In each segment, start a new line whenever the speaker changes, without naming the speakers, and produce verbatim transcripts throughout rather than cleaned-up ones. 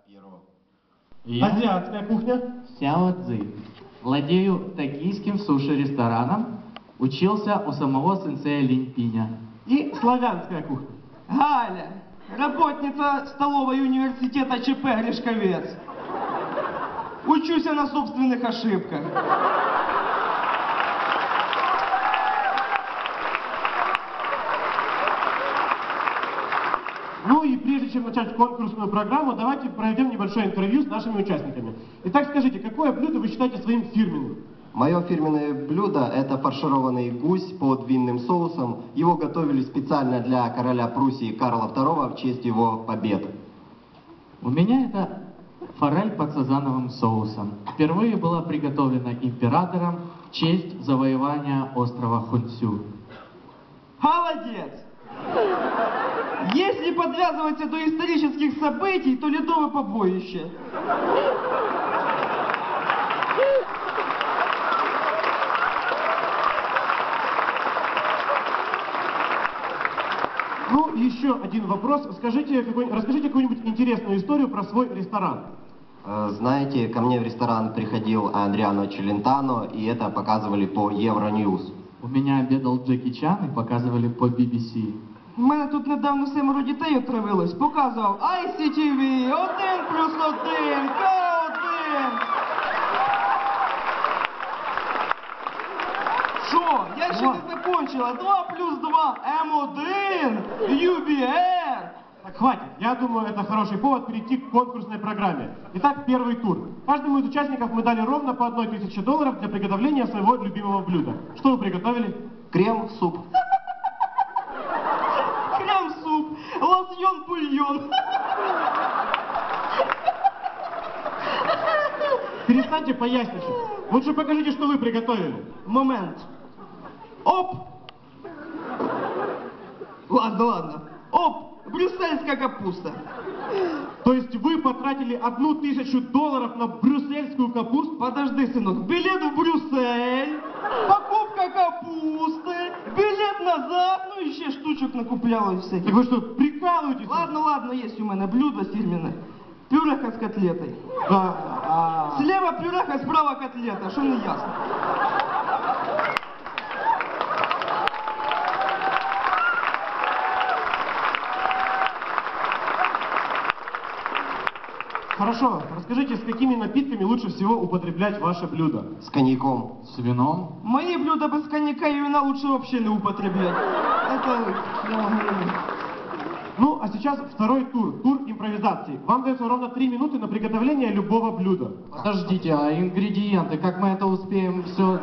Перо.
Я
Азиатская кухня.
Сяо Цзи. Владею токийским суши-рестораном. Учился у самого сенсея Линь Пиня.
И славянская кухня.
Галя, работница столовой университета ЧП Гришковец. Учусь на собственных ошибках.
Ну и прежде чем начать конкурсную программу, давайте проведем небольшое интервью с нашими участниками. Итак, скажите, какое блюдо вы считаете своим фирменным?
Мое фирменное блюдо – это фаршированный гусь под винным соусом. Его готовили специально для короля Пруссии Карла второго в честь его побед.
У меня это форель под сазановым соусом. Впервые была приготовлена императором в честь завоевания острова Хунцю.
Молодец! Если подвязываться до исторических событий, то ледовое побоище.
Ну, еще один вопрос. Скажите, какой, расскажите какую-нибудь интересную историю про свой ресторан.
Э, Знаете, ко мне в ресторан приходил Адриано Челентано, и это показывали по Евроньюз.
У меня обедал Джеки Чан и показывали по би би си.
У мене тут недавно семеро дітей отравилось. Показував ай сі ті ві, один плюс один, К один. Що? Я ще не закончила. два плюс два, ем один, ю бі ар.
Так, хватит. Я думаю, это хороший повод перейти к конкурсной программе. Итак, первый тур. Каждому из участников мы дали ровно по одной тысяче долларов для приготовления своего любимого блюда. Что вы приготовили?
Крем-суп.
Крем-суп, лосьон-бульон.
Перестаньте поясничать. Лучше покажите, что вы приготовили.
Момент. Оп! Ладно, ладно. Оп! Брюссельская капуста.
То есть вы потратили одну тысячу долларов на брюссельскую капусту?
Подожди, сынок. Билет в Брюссель, покупка капусты, билет назад, ну и ще штучок накупляла всяких.
Так вы что, прикалываетесь?
Ладно, ладно, есть у меня блюдо фирменное. Пюреха с котлетой.
А, а...
Слева пюреха, справа котлета, что не ясно.
Хорошо, расскажите, с какими напитками лучше всего употреблять ваше блюдо?
С коньяком.
С вином.
Мои блюда без коньяка и вина лучше вообще не употреблять. Это...
Ну, а сейчас второй тур, тур импровизации. Вам дается ровно три минуты на приготовление любого блюда.
Подождите, а ингредиенты, как мы это успеем все...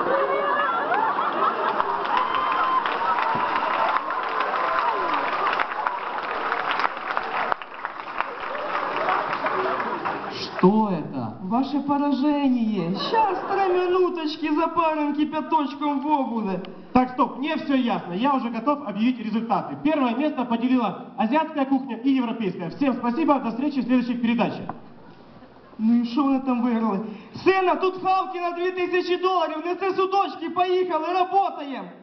Что это?
Ваше поражение. Сейчас три минуточки запарим кипяточком в обуде.
Так, стоп, мне все ясно. Я уже готов объявить результаты. Первое место поделила азиатская кухня и европейская. Всем спасибо, до встречи в следующих передачах.
Ну і що вони там виграли? Сина, тут хавки на дві тисячі доларів, неси судочки, поїхали, работаємо.